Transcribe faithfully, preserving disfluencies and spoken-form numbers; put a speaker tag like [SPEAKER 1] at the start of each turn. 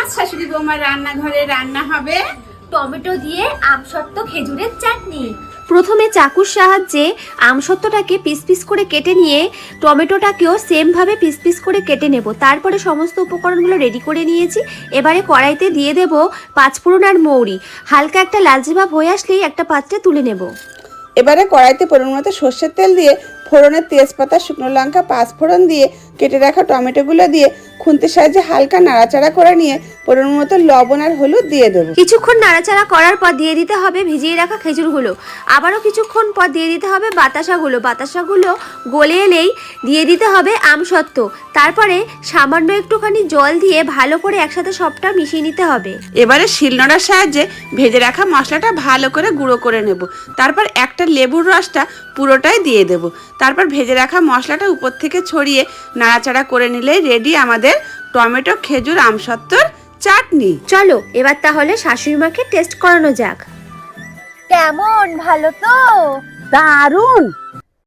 [SPEAKER 1] শাশুড়ি বৌমার রান্নাঘরে রান্না হবে
[SPEAKER 2] টমেটো দিয়ে আমসত্ত্ব খেজুরের চাটনি।
[SPEAKER 3] প্রথমে চাকুর সাহায্যে আমসত্ত্বটাকে পিস পিস করে কেটে নিয়ে টমেটোটাকেও সেমভাবে পিস পিস করে কেটে নেব। তারপরে সমস্ত উপকরণগুলো রেডি করে নিয়েছি। এবারে কড়াইতে দিয়ে দেব পাঁচফোড়ন আর মৌরি। হালকা একটা লালচে ভাব হয়ে আসলেই একটা পাত্রে তুলে নেব।
[SPEAKER 4] এবারে কড়াইতে পরিমাণ মতো সর্ষের তেল দিয়ে ফোড়নের তেজপাতা, শুকনো লঙ্কা, পাঁচফোড়ন দিয়ে কেটে রাখা টমেটোগুলো দিয়ে খুন্তির সাহায্যে হালকা নাড়াচাড়া করে নিয়ে পরিমাণ মতো লবণ আর হলুদ দিয়ে দেবো।
[SPEAKER 3] কিছুক্ষণ নাড়াচাড়া করার পর দিয়ে দিতে হবে ভিজিয়ে রাখা খেজুরগুলো। আবারও কিছুক্ষণ পর দিয়ে দিতে হবে বাতাসাগুলো। বাতাসাগুলো গলে এলেই দিয়ে দিতে হবে আমসত্ত্ব। তারপরে সামান্য একটুখানি জল দিয়ে ভালো করে একসাথে সবটা মিশিয়ে নিতে হবে।
[SPEAKER 4] এবারে শিলনোড়ার সাহায্যে ভেজে রাখা মশলাটা ভালো করে গুঁড়ো করে নেব। তারপর একটা লেবুর রসটা পুরোটাই দিয়ে দেব। তারপর ভেজে রাখা মশলাটা উপর থেকে ছড়িয়ে নাড়াচাড়া করে নিলেই রেডি আমাদের টমেটো খেজুর আমসত্ত্বর চাটনি।
[SPEAKER 3] চলো এবার তাহলে শাশুড়ি মাকে টেস্ট করানো যাক।
[SPEAKER 2] কেমন, ভালো তো?
[SPEAKER 4] দারুণ।